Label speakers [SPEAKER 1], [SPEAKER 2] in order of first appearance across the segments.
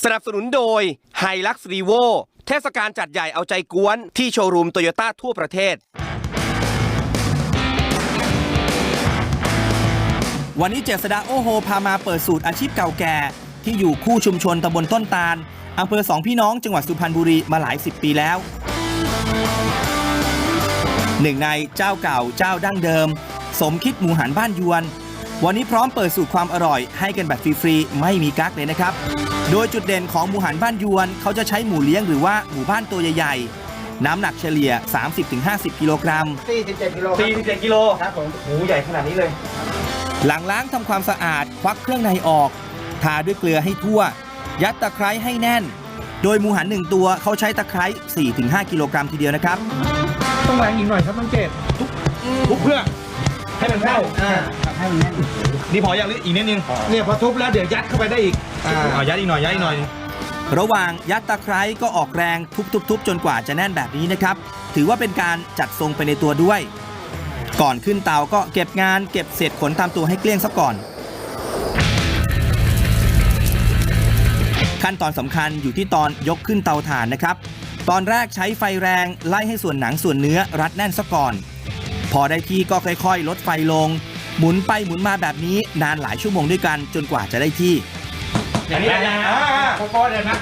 [SPEAKER 1] สนับสนุนโดย Hilux Revo เทศกาลจัดใหญ่เอาใจกวนที่โชว์รูมโตโยต้าทั่วประเทศ
[SPEAKER 2] วันนี้เจษฎาโอโฮพามาเปิดสูตรอาชีพเก่าแก่ที่อยู่คู่ชุมชนตำบลต้นตาลอำเภอสองพี่น้องจังหวัดสุพรรณบุรีมาหลาย10 ปีแล้วหนึ่งในเจ้าเก่าเจ้าดั้งเดิมสมคิดหมูหันบ้านยวนวันนี้พร้อมเปิดสูตรความอร่อยให้กันแบบฟรีๆไม่มีกั๊กเลยนะครับโดยจุดเด่นของหมูหันบ้านยวนเขาจะใช้หมูเลี้ยงหรือว่าหมูบ้านตัวใหญ่ๆน้ำหนักเฉลี่ย 30-50 กิโลกรัม
[SPEAKER 3] 47 กิโล
[SPEAKER 1] 47 กิโล
[SPEAKER 3] ครับผม
[SPEAKER 1] หมูใหญ่ขนาดนี้เลย
[SPEAKER 2] หลังล้างทำความสะอาดควักเครื่องในออกทาด้วยเกลือให้ทั่วยัดตะไคร้ให้แน่นโดยหมูหัน1ตัวเขาใช้ตะไคร้ 4-5 กิโลกรัมทีเดียวนะครับ
[SPEAKER 3] ต้องแรงอีกหน่อยครับน้องเจต
[SPEAKER 1] ทุบเพื่อให้มันเข้า
[SPEAKER 3] ให้มันแน่น
[SPEAKER 1] นี่พออย่างอีกนิดนึง
[SPEAKER 3] เนี่ยพอทุบแล้วเดี๋ยวยัดเข้าไปได้อีก
[SPEAKER 1] ยัดอีกหน่อย
[SPEAKER 2] ระหว่างยัดตะไคร้ก็ออกแรงทุบจนกว่าจะแน่นแบบนี้นะครับถือว่าเป็นการจัดทรงไปในตัวด้วยก่อนขึ้นเตาก็เก็บงานเก็บเศษขนตามตัวให้เกลี้ยงซะก่อนขั้นตอนสำคัญอยู่ที่ตอนยกขึ้นเตาถ่านนะครับตอนแรกใช้ไฟแรงไล่ให้ส่วนหนังส่วนเนื้อรัดแน่นซะก่อนพอได้ที่ก็ค่อยๆลดไฟลงหมุนไปหมุนมาแบบนี้นานหลายชั่วโมงด้วยกันจนกว่าจะได้ที่
[SPEAKER 1] อย่างนี้
[SPEAKER 3] โค้ดเลยนะ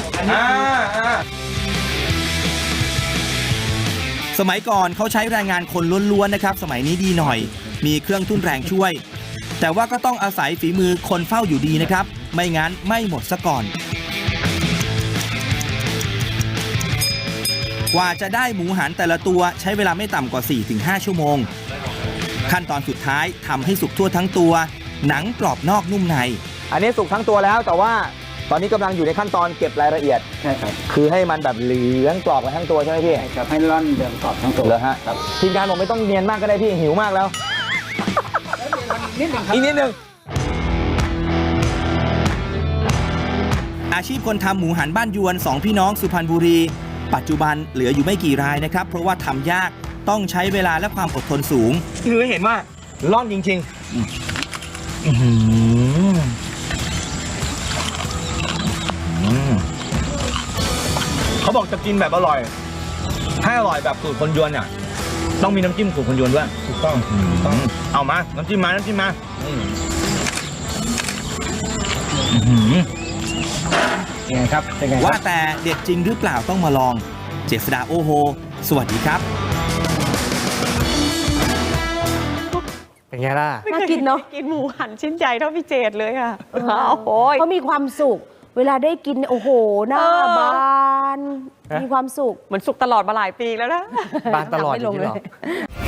[SPEAKER 2] สมัยก่อนเขาใช้แรงงานคนล้วนๆนะครับสมัยนี้ดีหน่อยมีเครื่องทุ่นแรงช่วยแต่ว่าก็ต้องอาศัยฝีมือคนเฝ้าอยู่ดีนะครับไม่งั้นไม่หมดซะก่อนกว่าจะได้หมูหันแต่ละตัวใช้เวลาไม่ต่ำกว่า 4-5 ชั่วโมงขั้นตอนสุดท้ายทำให้สุกทั่วทั้งตัวหนังกรอบนอกนุ่มใน
[SPEAKER 4] อันนี้สุกทั้งตัวแล้วแต่ว่าตอนนี้กำลังอยู่ในขั้นตอนเก็บรายละเอียด
[SPEAKER 3] ใช่ครับ
[SPEAKER 4] คือให้มันแบบเหลืองกรอบกันทั้งตัวใช่ไหมพี่
[SPEAKER 3] ใช่ครับให้ร่อนเหลืองกรอบทั้งตัว
[SPEAKER 4] เหรอฮะทีมงานบอกไม่ต้องเนียนมากก็ได้พี่หิวมากแล้ว
[SPEAKER 3] นิดหนึ่งครับ
[SPEAKER 4] อีกนิดนึง
[SPEAKER 2] อาชีพคนทำหมูหันบ้านยวน2พี่น้องสุพรรณบุรีปัจจุบันเหลืออยู่ไม่กี่รายนะครับเพราะว่าทำยากต้องใช้เวลาและความอดทนสูง
[SPEAKER 1] คือเห็นว่าร่อนจริงๆเขาบอกจะกินแบบอร่อยให้อร่อยแบบสูตรคนยวนเนี่ยต้องมีน้ำจิ้มสูตรคนยวนด้วย
[SPEAKER 3] ถูกต้อง
[SPEAKER 1] เอามาน้ำจิ้มมา
[SPEAKER 3] ยังไงครับเป็นไง
[SPEAKER 2] ว่าแต่เด็ดจริงหรือเปล่าต้องมาลองเจษฎาโอโฮสวัสดีครับ
[SPEAKER 5] เป็นไงล่ะ
[SPEAKER 6] น่ากินเนาะ
[SPEAKER 5] กินหมูหันชิ้นใหญ่เท่าพี่เจดเลยค่ะ
[SPEAKER 6] โอ้ยเขามีความสุขเวลาได้กินโอ้โหหน้าบานมีความสุข
[SPEAKER 5] เหมือนสุขตลอดมาหลายปีแล้วนะ
[SPEAKER 6] บานตลอดอย่างนี้หรอ